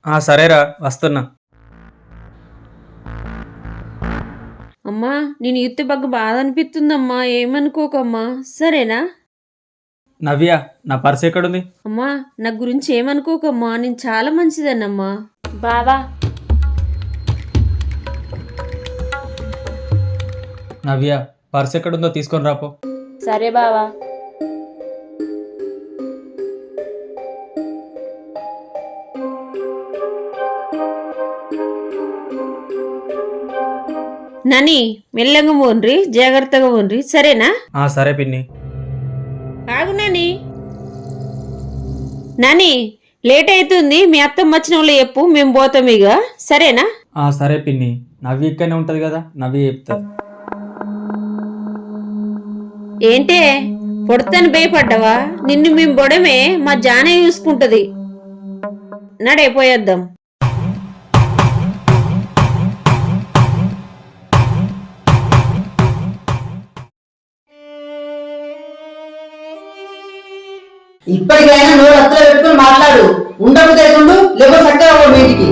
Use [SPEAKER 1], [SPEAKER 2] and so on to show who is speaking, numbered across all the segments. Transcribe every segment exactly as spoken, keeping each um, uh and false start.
[SPEAKER 1] ఆ సరేరా వస్తున్నా.
[SPEAKER 2] అమ్మా నేను యూత్ బాగా బాధ అనిపిస్తుందమ్మా, ఏమనుకోకమ్మా, సరేనా?
[SPEAKER 1] నవ్య, నా పర్స్ ఎక్కడుంది?
[SPEAKER 2] అమ్మా నా గురించి ఏమనుకోకమ్మా, నేను చాలా మంచిదన్నమ్మా.
[SPEAKER 3] బావా
[SPEAKER 1] నవ్య, పర్స్ ఎక్కడుందో తీసుకొని రాపో.
[SPEAKER 3] సరే బావా.
[SPEAKER 2] నాని మెల్లగా పోన్రి, జాగ్రత్తగా పోన్రి, సరేనా?
[SPEAKER 1] ఆ సరే పిన్ని.
[SPEAKER 2] ఆగు నాని. నాని లేట్ అవుతుంది, మీ అత్తమ్మ వచ్చిన వాళ్ళు చెప్పు, మేము పోతాం ఇక, సరేనా?
[SPEAKER 1] ఆ సరే పిన్ని, నవ్య ఇక్కడనే ఉంటది కదా, నవ్య చెప్తా.
[SPEAKER 2] ఏంటే పొడతాను భయపడ్డావా? నిన్ను మేము బొడమే, మా జానే చూసుకుంటది. నడే పోయేద్దాం.
[SPEAKER 4] ఇప్పటికైనా నోరు అత్తలో పెట్టుకుని మాట్లాడు. ఉండకపోతే ఉండు, లేకపోతే చక్కగా పో బయటికి.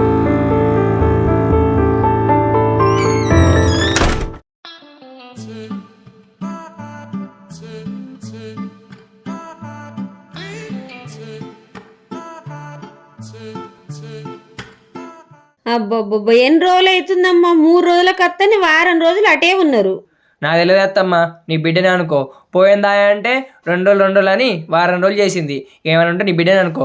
[SPEAKER 2] అబ్బబ్బబ్బా ఎన్ని రోజులు అవుతుందమ్మా? మూడు రోజులకు అత్తని వారం రోజులు అటే ఉన్నారు.
[SPEAKER 5] నాకు తెలియదు అత్తమ్మ, నీ బిడ్డనే అనుకో. పోయిందా అంటే రెండు రోజులు రెండు రోజులు అని వారం రోజులు చేసింది. ఏమైనా ఉంటే నీ బిడ్డనే అనుకో.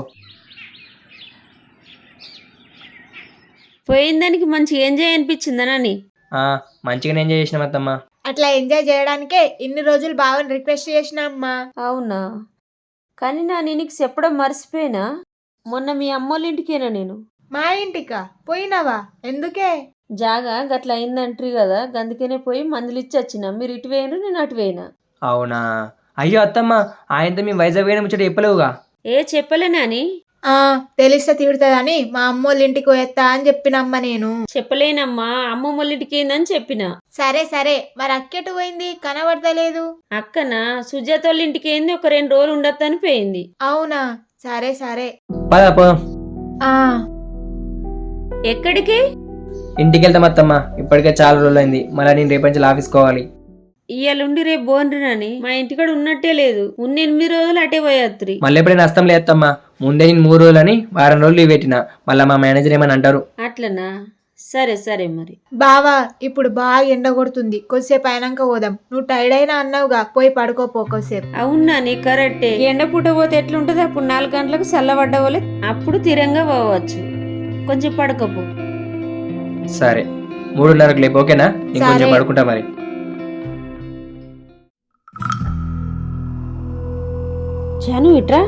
[SPEAKER 2] పోయిన దానికి మంచి ఎంజాయ్ అనిపించిందనని.
[SPEAKER 5] ఆ, మంచిగానే ఎంజాయ్ చేసినాం అత్తమ్మ.
[SPEAKER 3] అట్లా ఎంజాయ్ చేయడానికే ఇన్ని రోజులు బావని రిక్వెస్ట్ చేసినా అమ్మా.
[SPEAKER 2] అవునా? కానీ నా నీకు చెప్పడం మర్చిపోయినా, మొన్న మీ అమ్మోళ్ళ ఇంటికేనా నేను.
[SPEAKER 3] మా ఇంటికా పోయినావా? ఎందుకే?
[SPEAKER 2] జాగా గట్ల అయిందంట్రీ కదా, గందుకనే పోయి మందులు ఇచ్చి వచ్చిన. మీరు ఇటు వేయను, నేను అటు వేయనా.
[SPEAKER 5] అవునా? అయ్యో అత్తమ్మ, ఆయనతో మీ వైజాగ్ పోయిన ముచ్చట చెప్పలేవుగా.
[SPEAKER 2] ఏ చెప్పలేనాని?
[SPEAKER 3] ఆ తెలిస్తే తిడుతుందని మా అమ్మోళ్ళ ఇంటికి పోయేస్తా అని చెప్పినమ్మ నేను.
[SPEAKER 2] చెప్పలేనమ్మా, అమ్మమ్మ వాళ్ళ ఇంటికి ఏందని చెప్పిన.
[SPEAKER 3] సరే సరే, మరి అక్కెటు పోయింది, కనబడతలేదు.
[SPEAKER 2] అక్కన సుజాత వాళ్ళ ఇంటికి ఏంది, ఒక రెండు రోజులు ఉండొద్దని పోయింది.
[SPEAKER 3] అవునా? సరే సరే.
[SPEAKER 5] పదా పోదాం.
[SPEAKER 3] ఆ
[SPEAKER 2] ఎక్కడికి?
[SPEAKER 5] ఇంటికి వెళ్తాం అత్తమ్మ, ఇప్పటికే చాలా రోజులు అయింది. మళ్ళీ నేను రేపు నుంచి ఆఫీస్ కోవాలి.
[SPEAKER 2] ఇయ్యాలుండి రేపు బోన్రినని మా ఇంటికాడ ఉన్నట్టే లేదు. ఉన్న ఎనిమిది రోజులు అటే పోయాత్రి.
[SPEAKER 5] మళ్ళీ ఎప్పుడైనా నష్టం లేదమ్మా. ముందే నేను మూడు రోజులు అని వారం రోజులు లీవ్ పెట్టిన. మళ్ళీ మా మేనేజర్ ఏమని అంటారు.
[SPEAKER 2] అట్లనా? సరే సరే మరి.
[SPEAKER 3] బావా ఇప్పుడు బాగా ఎండ కొడుతుంది, కొద్దిసేపు అయినాక పోదాం. నువ్వు టైర్డ్ అయినా అన్నావుగా, పోయి పడుకోపో కొద్దిసేపు.
[SPEAKER 2] అవునా? నీ కరెక్టే. ఎండ పూట పోతే ఎట్లుంటది? అప్పుడు నాలుగు గంటలకు చల్లబడ్డ వాళ్ళే, అప్పుడు తిరంగా పోవచ్చు. కొంచెం పడుకోపో.
[SPEAKER 5] సరే, మూడున్నరకు లేపు, ఓకేనా? ఇంకొంచెం పడుకుంటా మరి.
[SPEAKER 2] జాను ఇట్రా.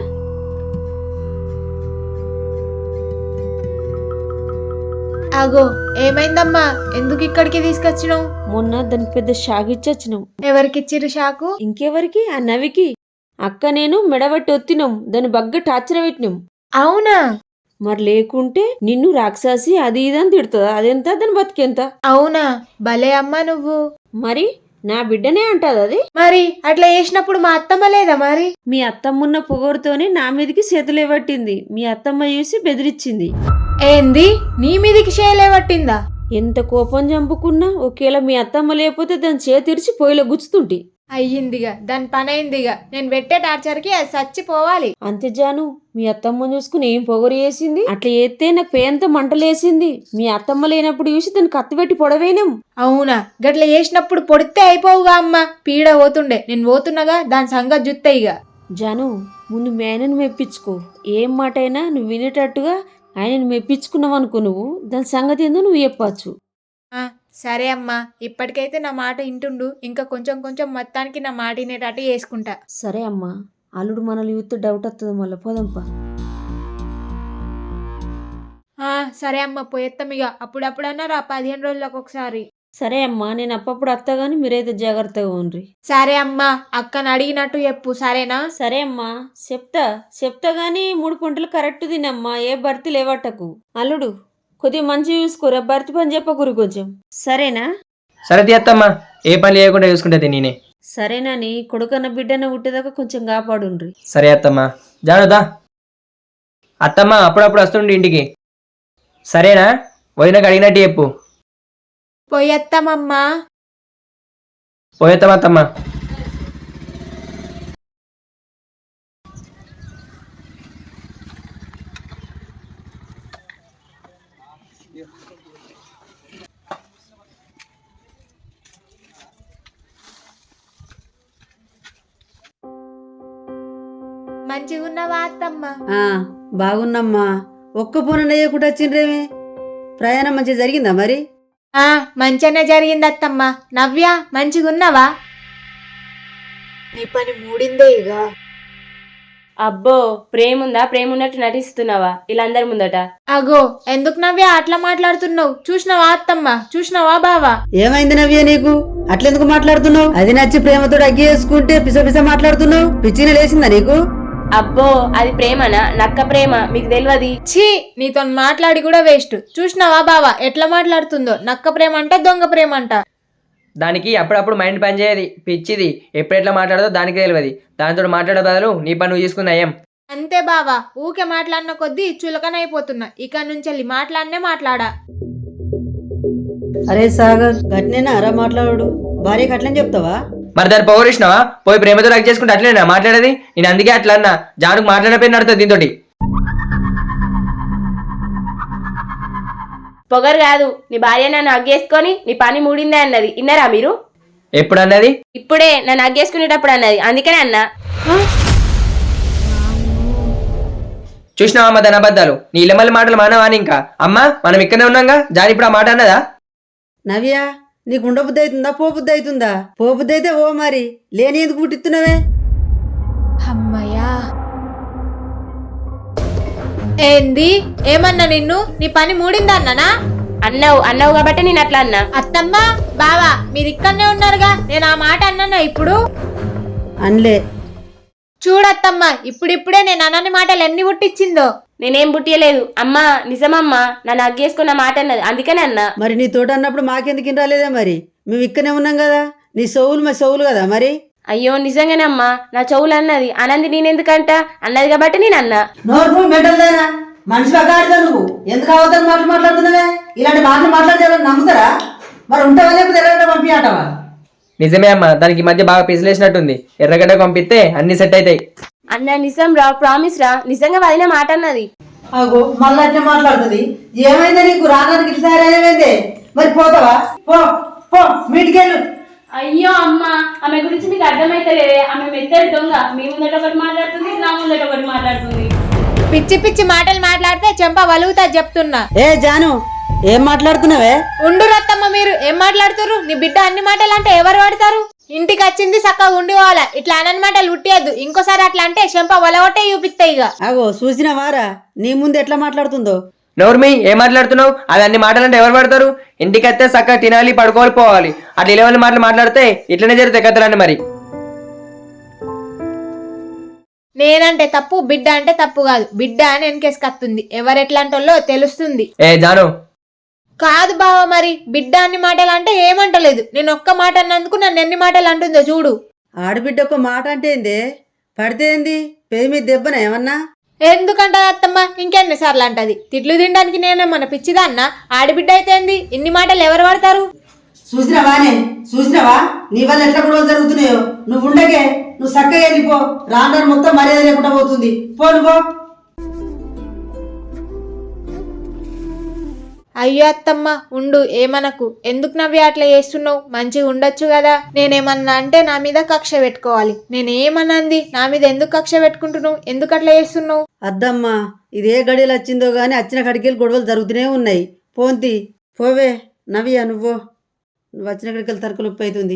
[SPEAKER 3] అగో ఏమైందమ్మా? ఎందుకు ఇక్కడికి తీసుకొచ్చినావు?
[SPEAKER 2] మొన్న దానికి పెద్ద షాక్ ఇచ్చొచ్చినాం.
[SPEAKER 3] ఎవరికిచ్చిర్రు షాకు?
[SPEAKER 2] ఇంకెవరికి? ఆ నవికి. అక్క నేను మెడబట్టి ఒత్తినాం, దాన్ని బగ్గ టార్చర్ పెట్టినాం.
[SPEAKER 3] అవునా?
[SPEAKER 2] మరి లేకుంటే నిన్ను రాక్షసి అది ఇది అని తిడుతుందా? అదెంత, దాని బతికెంత?
[SPEAKER 3] అవునా? భలే అమ్మా నువ్వు.
[SPEAKER 2] మరి నా బిడ్డనే అంటది అది.
[SPEAKER 3] మరి అట్లా చేసినప్పుడు మా అత్తమ్మ లేదా మరి?
[SPEAKER 2] మీ అత్తమ్మున్న పొగరుతోనే నా మీదకి చేతులే పట్టింది. మీ అత్తమ్మ చూసి బెదిరించింది.
[SPEAKER 3] ఏంది? నీ మీదికి చేయలే పట్టిందా?
[SPEAKER 2] ఎంత కోపం చంపుకున్నా ఒకేలా మీ అత్తమ్మ లేకపోతే దాని చేతిరిచి పొయ్యిలో గుచ్చుతుంటి.
[SPEAKER 3] అయ్యిందిగా, దాని పని అయిందిగా. నేను పెట్టే టార్చర్కి అది చచ్చిపోవాలి.
[SPEAKER 2] అంతే జాను, మీ అత్తమ్మ చూసుకుని ఏం పొగరు చేసింది? అట్లా చేస్తే నాకు పేంత మంటలేసింది. మీ అత్తమ్మ లేనప్పుడు చూసి దాన్ని కత్తిపెట్టి పొడవేనాం.
[SPEAKER 3] అవునా? గట్ల చేసినప్పుడు పొడితే అయిపోవుగా అమ్మ, పీడ పోతుండే. నేను పోతున్నగా, దాని సంగతి జుత్తే ఇక.
[SPEAKER 2] జాను, ముందు మేనని మెప్పించుకో. ఏం మాట అయినా నువ్వు వినేటట్టుగా ఆయనను మెప్పించుకున్నావు అనుకో, నువ్వు దాని సంగతి ఏందో నువ్వు చెప్పచ్చు.
[SPEAKER 3] సరే అమ్మా, ఇప్పటికైతే నా మాట ఇంటుండు. ఇంకా కొంచెం కొంచెం మొత్తానికి నా మాట వినేటట్టు చేసుకుంటా.
[SPEAKER 2] సరే అమ్మా, అల్లుడు మనల్ని యూత్ డౌట్ వస్తుంది, మళ్ళీ పోదాంపా.
[SPEAKER 3] సరే అమ్మ, పోయేస్తాం ఇక. అప్పుడప్పుడన్నా రా, పదిహేను రోజులకు ఒకసారి.
[SPEAKER 2] సరే అమ్మా, నేను అప్పప్పుడు అత్తగాని మీరైతే జాగ్రత్తగా ఉండ్రి.
[SPEAKER 3] సరే అమ్మా, అక్కను అడిగినట్టు చెప్పు, సరేనా?
[SPEAKER 2] సరే అమ్మా, చెప్తా చెప్తా గాని మూడు పంటలు కరెక్ట్ తినమ్మా, ఏ భర్తీ లేవట్టకు. అల్లుడు కొద్దిగా మంచిగా చూసుకోరా, భర్తీ పని చెప్పకూరు కొంచెం, సరేనా?
[SPEAKER 5] సరే తీయత్తమ్మా, ఏ పని లేకుండా చూసుకుంటే నేనే.
[SPEAKER 2] సరేనాని, కొడుకన్న బిడ్డన పుట్టేదాకా కొంచెం కాపాడుండ్రి.
[SPEAKER 5] సరే అత్తమ్మా. జానుదా అత్తమ్మ అప్పుడప్పుడు వస్తుండి ఇంటికి. సరేనా? వదినకు అడిగినట్టు చెప్పు.
[SPEAKER 3] పోయొత్తామమ్మా.
[SPEAKER 5] పోయేద్దాం అత్తమ్మ.
[SPEAKER 3] మంచిగున్నవా అత్తమ్మ?
[SPEAKER 4] ఆ బాగున్నమ్మా. ఒక్క పూన నెయ్యకుండా వచ్చిండ్రేమి? ప్రయాణం మంచిగా జరిగిందా మరి?
[SPEAKER 3] ఆ మంచిగానే జరిగింది అత్తమ్మ. నవ్య మంచిగున్నవా? నీ పని మూడిందే ఇక.
[SPEAKER 2] అబ్బో ప్రేముందా? ప్రేమ ఉన్నట్టు నటిస్తున్నావా వీళ్ళందరి ముందట?
[SPEAKER 3] అగో ఎందుకు నవ్య అట్లా మాట్లాడుతున్నావు? చూసినవా అత్తమ్మ? చూసినవా బావా?
[SPEAKER 4] ఏమైంది నవ్య నీకు? అట్లెందుకు మాట్లాడుతున్నావు? అది నచ్చి ప్రేమతో అగ్గి వేసుకుంటే పిస పిస మాట్లాడుతున్నావు. పిచ్చిని లేచిందా నీకు?
[SPEAKER 2] అబ్బో అది ప్రేమనా? నక్క ప్రేమ మీకు తెలియదు.
[SPEAKER 3] ఛీ నీతో మాట్లాడి కూడా వేస్ట్. చూసినవా బావా ఎట్లా మాట్లాడుతుందో? నక్క ప్రేమ అంట, దొంగ ప్రేమ అంట.
[SPEAKER 5] దానికి అప్పుడప్పుడు మైండ్ పని చేయది, పిచ్చిది. ఎప్పుడు ఎట్లా మాట్లాడదో దానికి తెలియదు. దానితో మాట్లాడే బదులు నీ పని నువ్వు తీసుకున్నా ఏం?
[SPEAKER 3] అంతే బావా, ఊకే మాట్లాడిన కొద్దీ చులకనైపోతున్నా. ఇక నుంచి మాట్లాడనే మాట్లాడా.
[SPEAKER 4] అరే సాగర్ గట్నేనా అరా మాట్లాడు. భార్యకి అట్లని చెప్తావా?
[SPEAKER 5] మరి దాన్ని పౌరిష్ణవా? పోయి ప్రేమతో రక్ చేసుకుంటే అట్లేనా మాట్లాడేది? నేను అందుకే అట్లా అన్నా. జానుకు మాట్లాడపోయిన నడుతుంది దీంతో.
[SPEAKER 2] పొగరు కాదు, నీ భార్య నన్ను అగ్గేసుకొని నీ పని మూడిందే అన్నది. ఇన్నరా మీరు?
[SPEAKER 5] ఎప్పుడు అన్నది?
[SPEAKER 2] ఇప్పుడే నన్ను అగ్గేసుకునేటప్పుడు అన్నది. అందుకనే అన్నా.
[SPEAKER 5] చూసినావా అమ్మ దాని అబద్ధాలు? నీ ఇళ్ళమల్లి మాటలు మానవాని ఇంకా? అమ్మా మనం ఇక్కడనే ఉన్నాగా. జాని ఇప్పుడు ఆ మాట అన్నదా?
[SPEAKER 4] నవ్య నీకు ఉండబుద్ధి అవుతుందా? పోబుద్ధి అవుతుందా? పోబుద్ధి అయితే ఓ మరి లేని ఎందుకు పుట్టిస్తున్నావే?
[SPEAKER 3] అమ్మయ్యా. ఏంది? ఏమన్నా నిన్ను? నీ పని మూడిందా అన్నానా?
[SPEAKER 2] అన్నావు అన్నావు కాబట్టి నేను అట్లా అన్నా.
[SPEAKER 3] అత్తమ్మ బావా మీరు ఇక్కడనే ఉన్నారుగా. నేను ఆ మాట అన్నానా ఇప్పుడు?
[SPEAKER 4] అన్లే.
[SPEAKER 3] చూడత్తమ్మ ఇప్పుడిప్పుడే నేను అన్నని మాటలు ఎన్ని పుట్టించిందో.
[SPEAKER 2] నేనేం పుట్టియలేదు అమ్మా. నిజమమ్మా నన్ను అగ్గేసుకున్న మాట అన్నది. అందుకనే అన్నా.
[SPEAKER 4] మరి నీ తోట అన్నప్పుడు మాకెందుకు రాలేదా? మరి మేము ఇక్కడనే ఉన్నాం కదా. నీ సౌలు మా సౌలు కదా మరి.
[SPEAKER 2] అయ్యో నిజంగానే అమ్మా, నా చెవులు అన్నది. అనంది నేనెందుకంట? అన్నది కాబట్టి నేను అన్నా.
[SPEAKER 4] నోరు మెటల్దానా మనిషి అగాడిదా నువ్వు? ఎందుకు అవతల మాటలు మాట్లాడుతున్నావే? ఇలాంటి మాటలు మాట్లాడితే నమ్ముతారా? మరి ఉంటావా లేకపోతే ఎర్రగడ్డ పంపించటవా?
[SPEAKER 5] నిజమే అమ్మా, దానికి మధ్య బాగా పిసిలేసినట్టుంది. ఎర్రగడ్డ పంపిస్తే అన్ని సెట్ అవుతాయి.
[SPEAKER 2] అన్న నిజం రా, ప్రామిస్ రా. నిజంగా వదిన మాట అన్నది.
[SPEAKER 4] అగో మళ్ళీ అట్లా మాట్లాడుతుంది. ఏమైందా నీకు? రానానికి ఇట్లా తయారైందే. మరి పోతావా? పో పో మీటికెళ్ళు.
[SPEAKER 2] అయ్యో అమ్మా, ఆమె గురించి మీకు అర్థమైతలేదే. ఆమె మెత్తడి దొంగ. మీ ముందట ఒకటి మాట్లాడుతుంది, నా ముందట ఒకటి మాట్లాడుతుంది.
[SPEAKER 3] పిచ్చి పిచ్చి మాటలు మాట్లాడితే చెంప వలుగుతా చెప్తున్నా.
[SPEAKER 4] ఏ జాను ఏం మాట్లాడుతున్నావే?
[SPEAKER 3] ఉండు రత్తమ్మ, మీరు ఏం మాట్లాడుతురు? నీ బిడ్డ అన్ని మాటలు అంటే ఎవరు పడతారు? ఇంటికి వచ్చింది చక్కగా ఉండి పోవాలా. ఇట్లా అన్న మాటలు ఉట్టియద్దు. ఇంకోసారి అట్లా అంటే చెంప వలగొట్టే చూపిస్తాయి. ఇక
[SPEAKER 4] అగో చూసిన వారా నీ ముందు ఎట్లా మాట్లాడుతుందో.
[SPEAKER 5] నోర్మి ఏం మాట్లాడుతున్నావు? అది అన్ని మాటలంటే ఎవరు పడతారు? ఇంటికి వస్తే చక్కగా తినాలి, పడుకోవాలి, పోవాలి. అట్లా ఇలవల్లి మాటలు మాట్లాడితే ఇట్లనే జరుగుతాయి కథలన్నీ. మరి
[SPEAKER 3] నేనంటే తప్పు, బిడ్డ అంటే తప్పు కాదు. బిడ్డ అని వెనకేసుకొస్తుంది. ఎవరెట్లాంటోళ్ళో తెలుస్తుంది.
[SPEAKER 5] ఏ జాను
[SPEAKER 3] కాదు బావ, మరి బిడ్డ అన్ని మాటలు అంటే ఏమంటలేదు. నేను ఒక్క మాట అన్నందుకు నన్ను ఎన్ని మాటలు అంటుందో చూడు.
[SPEAKER 4] ఆడబిడ్డ ఒక మాట అంటే ఏంది? పడితే ఏంది? పేరు మీద దెబ్బన ఏమన్నా?
[SPEAKER 3] ఎందుకంటది అత్తమ్మ? ఇంకెన్నిసార్లు అంటది? తిట్లు తినడానికి నేనేమన్నా పిచ్చిదా అన్న? ఆడబిడ్డ అయితే ఏంది? ఇన్ని మాటలు ఎవరు పడతారు?
[SPEAKER 4] చూసినవానే చూసినవా నీ వల్ల ఎట్లా కూడా జరుగుతున్నాయో. నువ్వు ఉండకే, నువ్వు చక్కగా వెళ్ళిపో. రాను మొత్తం మర్యాద లేకుండా పోతుంది. పో నువ్వు.
[SPEAKER 3] అయ్యో అత్తమ్మ ఉండు, ఏమనకు. ఎందుకు నవ్వి అట్లా చేస్తున్నావు? మంచిగా ఉండొచ్చు కదా. నేనేమన్నా అంటే నా మీద కక్ష పెట్టుకోవాలి. నేనేమన్నంది? నా మీద ఎందుకు కక్ష పెట్టుకుంటున్నావు? ఎందుకు అట్లా చేస్తున్నావు?
[SPEAKER 4] అద్దమ్మా ఇదే గడియలు వచ్చిందో గాని వచ్చిన కడికెళ్ళి గొడవలు జరుగుతూనే ఉన్నాయి. పోంతి పోవే నవ్య. నువ్వు నువ్వు వచ్చిన కడికెళ్ళి తరకలు ఉప్పు అవుతుంది.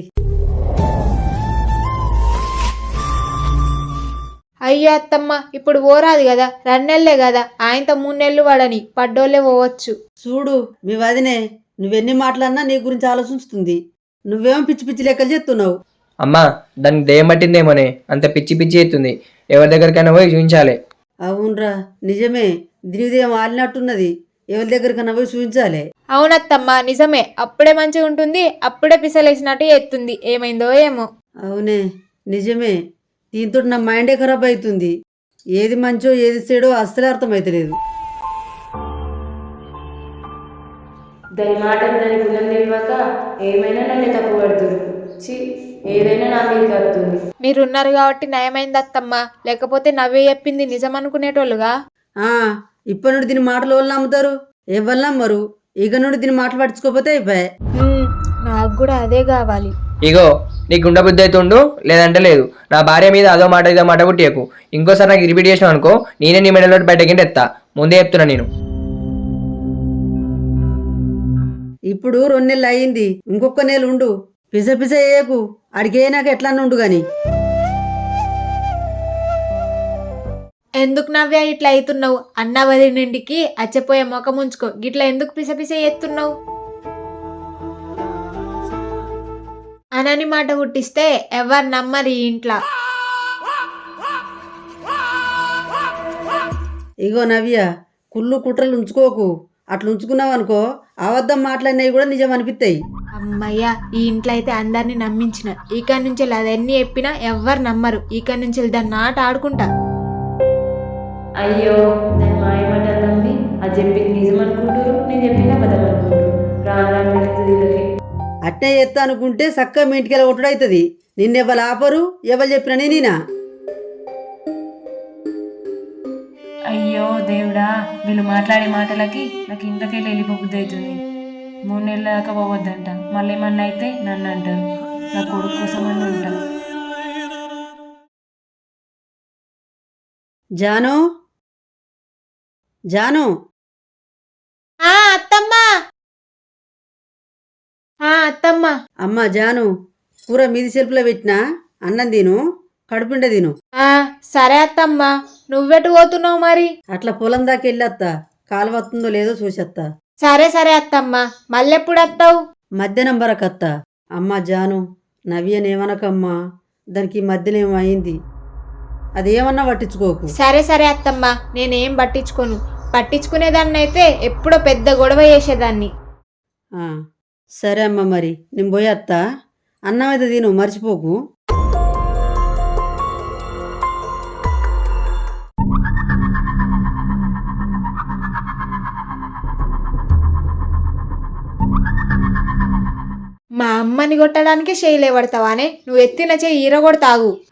[SPEAKER 3] అయ్యో అత్తమ్మ ఇప్పుడు పోరాదు కదా. రెండు నెలలే కదా. ఆయనతో మూడు నెలలు వాడని పడ్డోళ్ళే పోవచ్చు.
[SPEAKER 4] చూడు మీ వదినే నువ్వెన్ని మాటలన్నా నీ గురించి ఆలోచిస్తుంది. నువ్వేమో పిచ్చి పిచ్చి లెక్కలు చెప్తున్నావు.
[SPEAKER 5] అమ్మా దానికి దయ్యం పట్టిందేమోనే అంత పిచ్చి పిచ్చి ఎత్తుంది. ఎవరి దగ్గరికైనా పోయి చూపించాలి.
[SPEAKER 4] అవునరా నిజమే. దీనిదేమో ఆలినట్టున్నది. ఎవరి దగ్గరికన్నా పోయి చూపించాలి.
[SPEAKER 3] అవునత్తమ్మ నిజమే. అప్పుడే మంచిగా ఉంటుంది, అప్పుడే పిసలేసినట్టు ఎత్తుంది. ఏమైందో ఏమో.
[SPEAKER 4] అవునే నిజమే. దీంతో నా మైండే ఖరాబ్ అవుతుంది. ఏది మంచో ఏది చెడో అస్సలే అర్థమవుతలేదు.
[SPEAKER 6] దాని మాటలు దాని గుణం తెలియక ఏమైనా నన్ను తప్పు పడుతుంది. చి ఏదైనా నా మీద కలుగుతుంది.
[SPEAKER 3] మీరున్నారు కాబట్టి నయమైంది అత్తమ్మ, లేకపోతే నవ్వే చెప్పింది నిజం అనుకునేటోళ్ళుగా.
[SPEAKER 4] ఆ, ఇప్పటి నుండి దీని మాటలు వాళ్ళు నమ్ముతారు, ఎవరు నమ్మరు. ఇక నుండి దీని మాటలు పట్టించుకోకపోతే అయిపోయాయి.
[SPEAKER 3] హ్మ్, నాకు కూడా అదే కావాలి.
[SPEAKER 5] ఇగో నీకు గుండె బుద్ధి అయితే ఉండు, లేదంటే లేదు. నా భార్య మీద అదో మాట ఇదో మాట కుట్టియకు. ఇంకోసారి నాకు రిపీట్ చేసినావు అనుకో, నేనే నీ మెడలో బయటకి ఎత్తా. ముందే చెప్తున్నా నేను.
[SPEAKER 4] ఇప్పుడు రెండు నెలలు అయింది, ఇంకొక నెల ఉండు. పిస పిస వేయకు, అడిగే నాకు ఎట్లా ఉండు గాని.
[SPEAKER 3] ఎందుకు నవ్వే ఇట్లా అవుతున్నావు? అన్న వదిలింటికి అచ్చపోయే ముఖం ఉంచుకో, గిట్లా ఎందుకు పిస పిస ఎత్తున్నావు? అనని మాట పుట్టిస్తే ఎవరు నమ్మరు ఈ ఇంట్లో.
[SPEAKER 4] ఇగో నవ్య, కుళ్ళు కుట్రలు ఉంచుకోకు. అట్లా ఉంచుకున్నావు అనుకో, అబద్ధం మాట్లాడినవి కూడా నిజం అనిపిస్తాయి.
[SPEAKER 3] అమ్మయ్య, ఈ ఇంట్లో అయితే అందరినీ నమ్మించిన. ఇక నుంచి అదన్నీ చెప్పినా ఎవ్వరు నమ్మరు. ఇక నుంచి దాన్ని ఆట ఆడుకుంటా.
[SPEAKER 6] అయ్యో నేను మాయమాట నమ్మి అది చెప్పింది నిజం అనుకుంటారు, నేను చెప్పింది అబద్ధం అనుకుంటారు. రాను రాను వెళ్తుంది వీళ్ళకి.
[SPEAKER 4] అట్నే చేస్తా అనుకుంటే చక్కగా మీ ఇంటికి కొట్టుడు అవుతుంది. నిన్నెవ్వరు ఆపరు, ఎవరు చెప్పినా నేనా?
[SPEAKER 6] అయ్యో దేవుడా, వీళ్ళు మాట్లాడే మాటలకి నాకు ఇంట్లోకెళ్ళి వెళ్ళిపోబుద్ది అవుతుంది. మూడు నెలల దాకా పోవద్దంట, మళ్ళీ ఏమన్నా అయితే నన్ను అంటారు. నా కొడుకు కోసం అని ఉంటాను.
[SPEAKER 4] జాను, జాను,
[SPEAKER 3] ఆ అత్తమ్మ, ఆ అత్తమ్మ.
[SPEAKER 4] అమ్మ జాను, కూర మీది సెల్పులో పెట్టినా, అన్నం తిను, కడుపుండ తిను.
[SPEAKER 3] ఆ సరే అత్తమ్మ, నువ్వెటు పోతున్నావు మరి?
[SPEAKER 4] అట్లా పొలం దాకా వెళ్ళొత్తా, కాలు వస్తుందో లేదో చూసేత్తా.
[SPEAKER 3] సరే సరే అత్తమ్మ, మళ్ళెప్పుడు వస్తావు?
[SPEAKER 4] మధ్యాహ్నం వరకు అత్తా. అమ్మ జాను, నవ్యనేమనకమ్మా, దానికి ఈ మధ్యలో ఏమైంది, అదేమన్నా పట్టించుకోకు.
[SPEAKER 3] సరే సరే అత్తమ్మ, నేనేం పట్టించుకోను. పట్టించుకునేదాన్ని అయితే ఎప్పుడో పెద్ద గొడవ చేసేదాన్ని.
[SPEAKER 4] ఆ, సరే అమ్మ, మరి నేను పోయేత్తా. అన్నం అయితే తిను, మర్చిపోకు.
[SPEAKER 3] మా అమ్మని కొట్టడానికి చేయలేబడతావానే? నువ్వు ఎత్తిన చేయి ఈరగొడతాగు.